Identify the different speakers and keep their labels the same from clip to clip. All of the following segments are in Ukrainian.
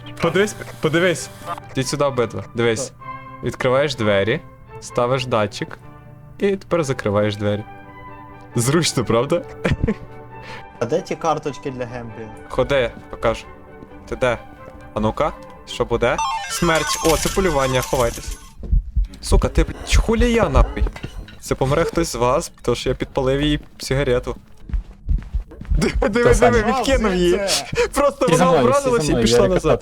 Speaker 1: Подивись. Ти сюди обидва. Дивись. Відкриваєш двері, ставиш датчик і тепер закриваєш двері. Зручно, правда?
Speaker 2: А де ті карточки для гемплі?
Speaker 1: Ходи, покажу. Ти де? А ну-ка, що буде? Смерть. О, це полювання, ховайтесь. Сука, ти, блядь, хулі я, нахуй. Це помре хтось з вас, тому що я підпалив їй сигарету. Диви, відкинув її. Просто вона образилась і пішла назад.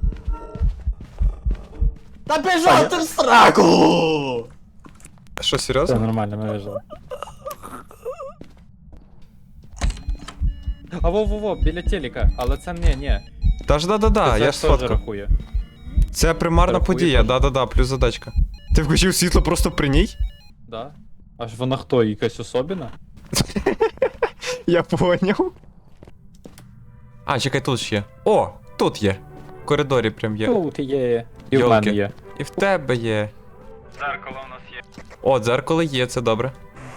Speaker 2: Та біжав ти в сраку!
Speaker 1: Що,
Speaker 3: Все
Speaker 1: серйозно?
Speaker 3: нормально, ми вижили. А во-во-во, біля телека, але це ні.
Speaker 1: Та ж да-да-да,
Speaker 3: Це
Speaker 1: я ж
Speaker 3: теж
Speaker 1: сфоткав.
Speaker 3: рахує.
Speaker 1: Це примарна
Speaker 3: Рахує
Speaker 1: подія,
Speaker 3: теж.
Speaker 1: да-да-да, плюс задачка. Ти включив світло просто при ній?
Speaker 3: Да? Аж вона хто, якась особіна?
Speaker 1: Я поняв. А, чекай, тут ж є. О, тут є. В коридорі прям є.
Speaker 3: Тут є. І в
Speaker 1: Йолки.
Speaker 3: мене є.
Speaker 1: І в тебе є.
Speaker 4: Дзеркало у нас є.
Speaker 1: О, дзеркало є, це добре.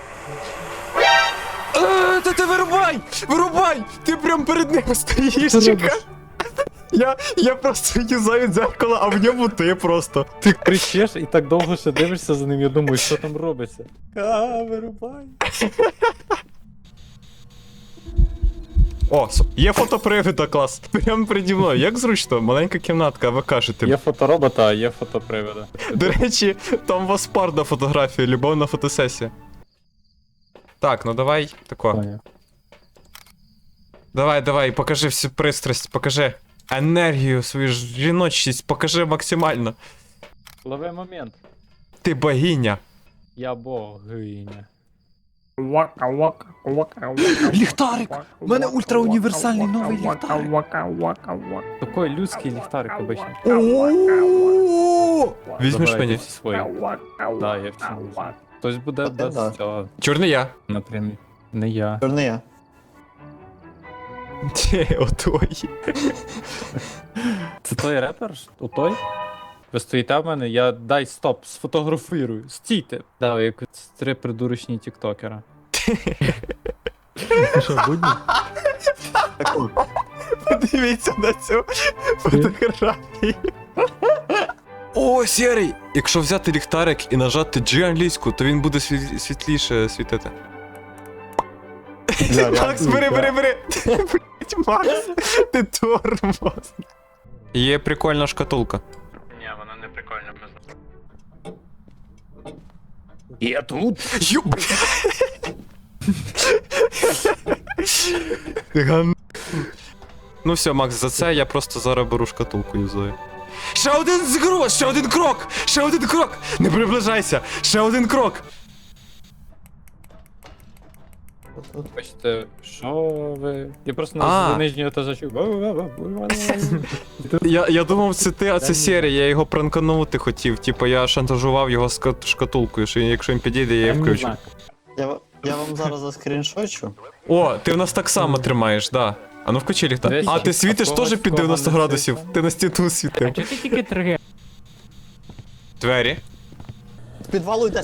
Speaker 1: Та ти вирубай! Вирубай! Ти прям перед ним стоїш,
Speaker 3: Що
Speaker 1: чекай. Я просто юзаю дзеркало, а в ньому ти просто.
Speaker 3: Ти кричиш і так довго ще дивишся за ним, я думаю, що там робиться.
Speaker 2: Вирубай.
Speaker 1: О, є фотопривида, клас. Прямо переді мною. Як зручно, маленька кімнатка, а ви кажете.
Speaker 3: Є фоторобота, а є фотопривода.
Speaker 1: До речі, там у вас парна фотографія, любовна фотосесія. Так, ну давай тако.
Speaker 3: Поняв.
Speaker 1: Давай, покажи всю пристрасть, покажи енергію, свою жіночність, покажи максимально.
Speaker 3: Лови момент.
Speaker 1: Ти богиня.
Speaker 3: Я богиня.
Speaker 2: Ліхтарик! У мене ультрауніверсальний новий ліхтарик.
Speaker 3: Такий людський ліхтарик обичний.
Speaker 1: Візьмеш
Speaker 3: Забирайте
Speaker 1: мені?
Speaker 3: всі свої. Да, я всі візьму. Хтось буде
Speaker 2: А ти
Speaker 3: без
Speaker 2: да.
Speaker 3: цього,
Speaker 1: Чорний я.
Speaker 3: напрямі. Не я.
Speaker 2: Чорний я.
Speaker 1: Отой.
Speaker 3: Це той репер? У той? Ви стоїте в мене, я дай стоп, сфотографірую. Стійте. Да, як 3 придурочні тіктокера. Що, будні?
Speaker 2: Так от.
Speaker 1: Подивіться на цю фотографію. О, сірий! Якщо взяти ліхтарик і нажати G англійську, то він буде світліше світити. Макс, бери! Блять, Макс, ти тормоз. Є прикольна шкатулка.
Speaker 4: Ні, вона не прикольна.
Speaker 3: Я тут?
Speaker 1: Ю... Ган... Ну все, Макс, за це я просто зараз беру шкатулку юзаю. Ще один згроз, ще один крок! Не приближайся! Ще один крок!
Speaker 3: Бачите, що ви? Я просто
Speaker 1: А.
Speaker 3: на нижнього етажа чув.
Speaker 1: Я думав, це ти, а це серія, я його пранканути хотів. Типа я шантажував його шкатулкою, що якщо він підійде, я її включу.
Speaker 2: Я вам зараз заскріншочу.
Speaker 1: О, ти в нас так само тримаєш, да. А ну включи ліхтар.
Speaker 3: Десь
Speaker 1: А ти світиш
Speaker 3: а
Speaker 1: теж
Speaker 3: когось
Speaker 1: під 90
Speaker 3: кого не
Speaker 1: градусів?
Speaker 3: світить.
Speaker 1: Ти на стіну світи.
Speaker 3: Чого ти тільки триге?
Speaker 1: Двері.
Speaker 2: З підвалу йде!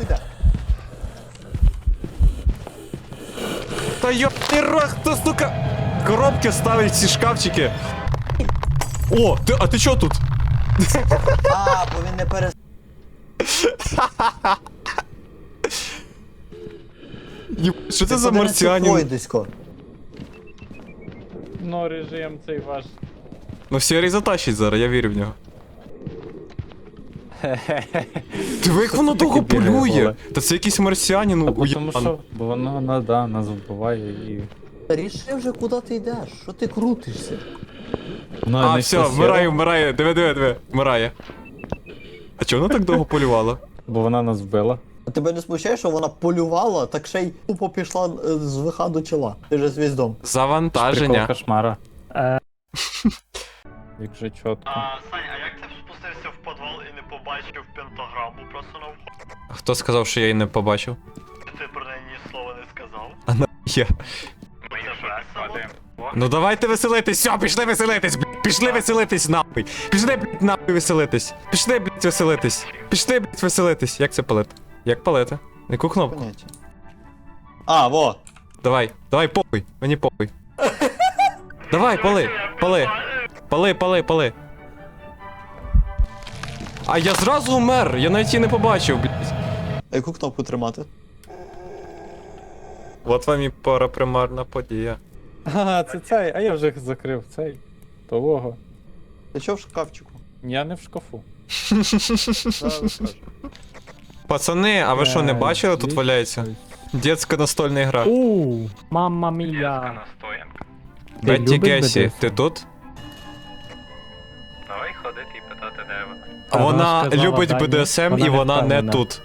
Speaker 1: Та йопний рот, хто, сука, коробки ставить ці шкафчики. О, а ти чо тут?
Speaker 2: А, бо він не перес...
Speaker 1: Що це за марсіанін?
Speaker 2: Пойдисько.
Speaker 3: Ну, режим цей ваш.
Speaker 1: Ну сірий затащить зараз, я вірю в нього. Диви, як воно довго
Speaker 3: таке бігає,
Speaker 1: полює.
Speaker 3: голе?
Speaker 1: Та це якийсь марсіанін
Speaker 3: Тому
Speaker 1: уєбан.
Speaker 3: що, бо воно, нас вбиває і...
Speaker 2: Ріши вже, куди ти йдеш? Що ти крутишся?
Speaker 3: Воно
Speaker 1: А,
Speaker 3: не
Speaker 1: все, вмирає, диви, вмирає. А чого воно так довго полювало?
Speaker 3: Бо вона нас вбила.
Speaker 2: А тебе не смущає, що вона полювала, так ще й тупо пішла з ВХ до чола. Ти же звіздом.
Speaker 1: Завантаження.
Speaker 3: Прикол кошмара. Як же чітко.
Speaker 4: Сань, а як ти спустився в підвал і не побачив пентаграму просто на вході?
Speaker 1: Хто сказав, що я її не побачив?
Speaker 4: Ти про неї ні слова не сказав?
Speaker 1: Я.
Speaker 4: Ми весело.
Speaker 1: Ну давайте веселитись, все, пішли веселитись, блядь, пішли веселитись, нахуй. Пішли, блядь, нахуй веселитись. Пішли, блядь, веселитись. Пішли, блядь, веселитись. Як це палити? Як палити? Яку кнопку?
Speaker 2: Поняття. А, во!
Speaker 1: Давай, похуй, мені похуй. Давай, пали. А я зразу умер, я навіть її не побачив, блядь.
Speaker 2: А яку кнопку тримати?
Speaker 1: От вам і парапримарна подія.
Speaker 3: Ага, це цей, а я вже закрив цей. Того.
Speaker 2: Ти що в шкафчику?
Speaker 3: Я не в шкафу.
Speaker 2: Зараз кажу.
Speaker 1: Пацани, а ви що, не бачили, тут валяється? Детська настольна гра.
Speaker 5: Мамма мія.
Speaker 4: Настоянка.
Speaker 5: Ти
Speaker 1: Бетті
Speaker 5: любиш
Speaker 1: Гесі,
Speaker 5: BDSM?
Speaker 1: ти тут?
Speaker 4: Давай ходити і питати, де ви.
Speaker 1: А
Speaker 5: Та
Speaker 1: вона
Speaker 5: вона сказала,
Speaker 1: любить
Speaker 5: да, ні.
Speaker 1: БДСМ і
Speaker 5: Вона
Speaker 1: вона не
Speaker 5: впевнена.
Speaker 1: тут.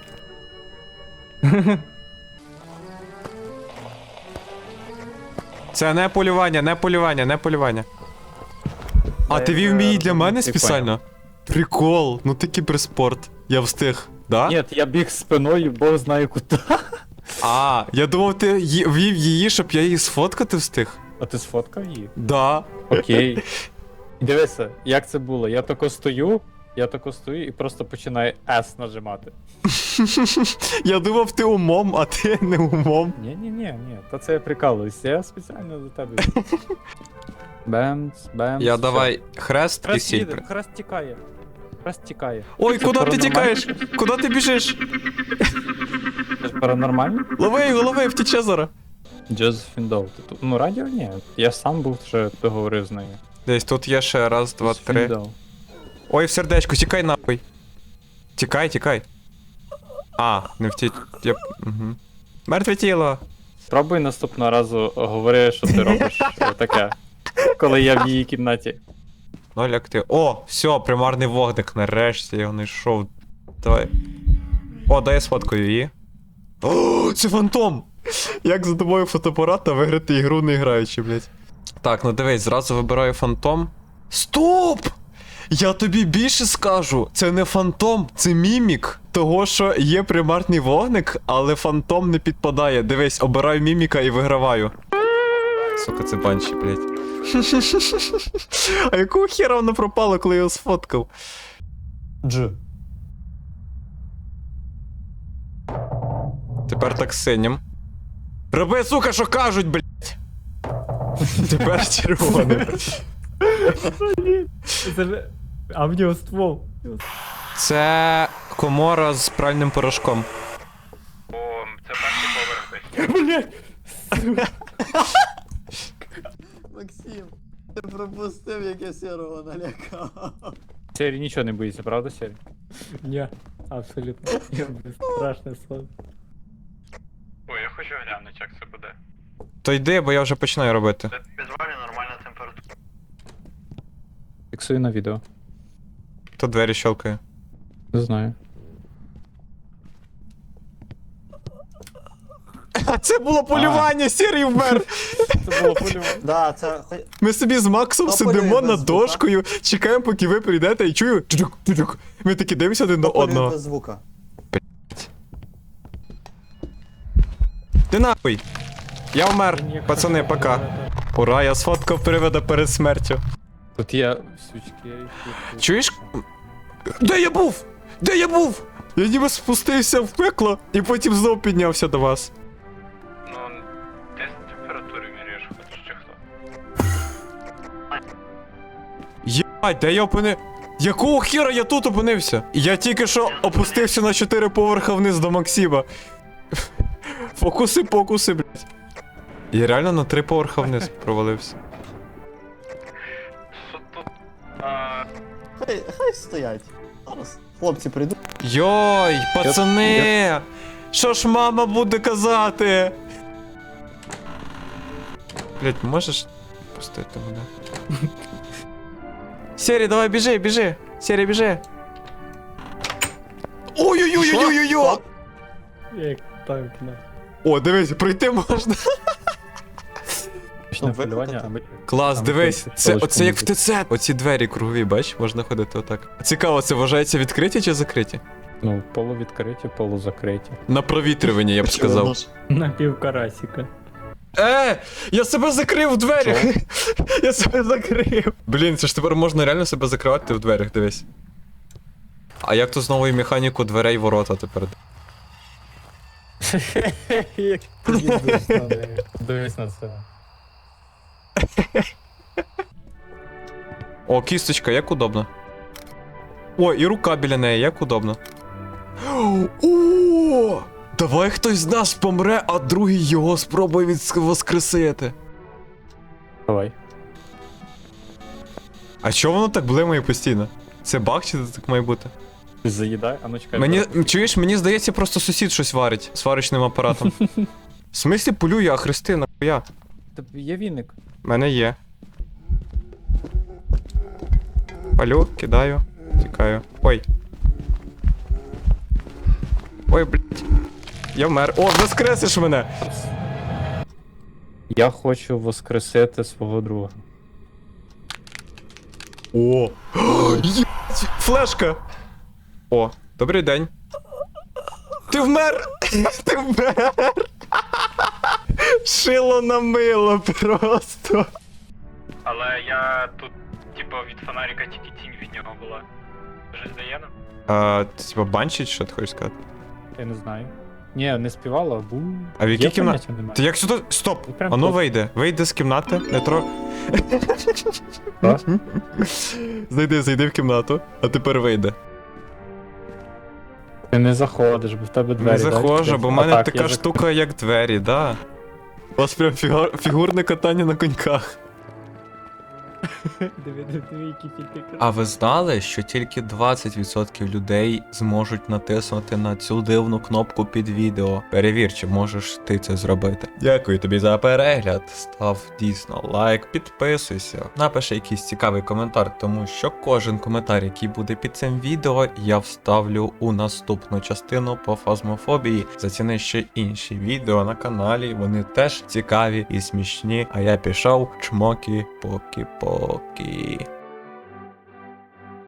Speaker 1: Це не полювання, не полювання, не полювання. А ти вів мій для мене
Speaker 3: Ти
Speaker 1: спеціально? Прикол, ну ти кіберспорт. Я встиг, да?
Speaker 3: Ні, я біг спиною, бог знає куди.
Speaker 1: А, я думав, ти вів її, щоб я її сфоткати встиг.
Speaker 3: А ти сфоткав її?
Speaker 1: Да.
Speaker 3: Окей. Дивися, як це було? Я тако стою і просто починаю S нажимати.
Speaker 1: Я думав, ти умом, а ти не умом.
Speaker 3: Ні, та це я прикалуюсь, я спеціально до тебе. Бемц, бемц.
Speaker 1: Я
Speaker 3: все.
Speaker 1: давай хрест і
Speaker 3: Хрест
Speaker 1: сіль.
Speaker 3: їде, хрест тікає. Хрест тікає.
Speaker 1: Ой, куди ти
Speaker 3: Паранормально?
Speaker 1: тікаєш? Куди ти біжиш?
Speaker 3: Це ж паранормально?
Speaker 1: Лови його, лови, втіче зараз.
Speaker 3: Джозефін Доу. Ти тут- Ну, радіо ні. Я сам був вже договорив з нею.
Speaker 1: Десь тут є ще раз, два,
Speaker 3: Джозефін
Speaker 1: три.
Speaker 3: Доу.
Speaker 1: Ой, в сердечко, тікай нахуй. Тікай, тікай. А, не втіч. Я... Угу. Мертве тіло.
Speaker 3: Спробуй наступного разу говори, що ти робиш таке, коли я в її кімнаті.
Speaker 1: Ноль актив. О, все, примарний вогник, нарешті я його знайшов. Давай. О, дай я сфоткаю її. О, це фантом! Як за тобою фотоапарата виграти ігру не граючи, блядь. Так, ну дивись, зразу вибираю фантом. Стоп! Я тобі більше скажу, це не фантом, це мімік. Того, що є примарний вогник, але фантом не підпадає. Дивись, обираю міміка і виграваю. Сука, це банші, блядь. А якого хера воно пропало, коли я його сфоткав?
Speaker 2: Дж.
Speaker 1: Тепер так синім. Роби, сука, що кажуть, блядь! Тепер червоним.
Speaker 5: А в нього ствол.
Speaker 1: Це комора з пральним порошком.
Speaker 4: О, це перший поверх десь.
Speaker 2: Максим, ти пропустив, як я сірого налякав.
Speaker 3: Сері нічого не боїться, правда, Сері?
Speaker 5: Ні, абсолютно. Я страшне сон.
Speaker 4: Ой, я хочу глянути, як це буде.
Speaker 1: То йди, бо я вже починаю робити.
Speaker 4: Це візуально нормальна температура.
Speaker 3: Фіксую на відео.
Speaker 1: То двері щелкає.
Speaker 3: Не знаю.
Speaker 1: А це було полювання, сірий вмер!
Speaker 3: Це було полювання.
Speaker 2: Да, це.
Speaker 1: Ми собі з Максом
Speaker 2: То
Speaker 1: сидимо
Speaker 2: полює
Speaker 1: над
Speaker 2: без звука.
Speaker 1: дошкою, чекаємо, поки ви прийдете, і чую. Чудюк. Ми такі дивимося один на
Speaker 2: Полює
Speaker 1: одного.
Speaker 2: без звука.
Speaker 1: Ти нахуй! Я вмер, пацани, пока. Ура, я сфоткав привида перед смертю.
Speaker 3: Тут є свічки. які-
Speaker 1: Чуєш? Де я був? Де я був? Я ніби спустився в пекло і потім знов піднявся до вас.
Speaker 4: Ну, десь температури міряєш, хочеш чи хто.
Speaker 1: Єбать, де я опини... Якого хіра я тут опинився? Я тільки що опустився на 4 поверха вниз до Максима. Фокуси, блядь. Я реально на 3 поверха вниз провалився.
Speaker 4: Що тут?
Speaker 2: Хай стоять. Зараз хлопці прийдуть.
Speaker 1: Йой, пацани! Що ж мама буде казати? Блять, можеш пустити мене? Сері, давай біжи. Сері, біжи. Ой-ой-ой-ой-ой-ой!
Speaker 5: Як танк, на.
Speaker 1: О, дивись, пройти можна.
Speaker 3: Точне
Speaker 2: Ну,
Speaker 3: полювання,
Speaker 2: викликати.
Speaker 3: аби...
Speaker 1: Клас,
Speaker 3: Там
Speaker 1: дивись,
Speaker 3: якось
Speaker 1: це,
Speaker 3: паличку
Speaker 1: оце як в
Speaker 3: музики.
Speaker 1: ТЦ. Оці двері кругові, бач, можна ходити отак. Цікаво, це вважається відкриті чи закриті?
Speaker 3: Ну, полувідкриті, полузакриті.
Speaker 1: На провітрювання, я б сказав.
Speaker 5: Напівкарасіка.
Speaker 1: Я себе закрив в дверях! Я себе закрив! Блін, це ж тепер можна реально себе закривати в дверях, дивись. А як то з новою механікою дверей ворота тепер?
Speaker 5: Як їздиш на неї.
Speaker 3: Дивись на це.
Speaker 1: О, кісточка, як удобно. О, і рука біля неї, як удобно. О! Давай хтось з нас помре, а другий його спробує воскресити.
Speaker 3: Давай.
Speaker 1: А чого воно так блимає постійно? Це баг чи це так має бути?
Speaker 3: Ти заїдай, а ну чекай.
Speaker 1: Мені, чуєш, мені здається, просто сусід щось варить сварочним апаратом. В смислі полює, а хрести, нахуя?
Speaker 3: Тобі є віник.
Speaker 1: В мене є. Палю, кидаю, тікаю. Ой. Ой, блядь. Я вмер. О, воскресиш мене!
Speaker 3: Я хочу воскресити свого друга.
Speaker 1: О! Єбать! Флешка! О, добрий день. Ти вмер! Ти вмер! Шило на мило просто.
Speaker 4: Але я тут, типу, від фонарика тільки тінь від нього була. Вже здає нам?
Speaker 1: Ти типа банчить, що ти хочеш сказати?
Speaker 3: Я не знаю. Ні, не співала, бу.
Speaker 1: А в якій
Speaker 3: Є
Speaker 1: кімнаті?
Speaker 3: поняття немає.
Speaker 1: Ти як сюди. Стоп!
Speaker 3: Ну, прям
Speaker 1: Ану
Speaker 3: тут.
Speaker 1: вийде. Вийде з кімнати. Не тро.
Speaker 3: Що?
Speaker 1: Зайди в кімнату, а тепер вийде.
Speaker 3: Ти не заходиш, бо в тебе двері.
Speaker 1: Не заходжу, бо в мене
Speaker 3: А так,
Speaker 1: така
Speaker 3: я
Speaker 1: штука, як двері, да. У вас прям фігурне катання на коньках.
Speaker 5: Диви, які тільки
Speaker 1: А ви знали, що тільки 20% людей зможуть натиснути на цю дивну кнопку під відео? Перевір, чи можеш ти це зробити. Дякую тобі за перегляд. Став дійсно лайк, підписуйся, напиши якийсь цікавий коментар, тому що кожен коментар, який буде під цим відео, я вставлю у наступну частину по фазмофобії. Заціни ще інші відео на каналі, вони теж цікаві і смішні. А я пішов чмокі-покі-покі.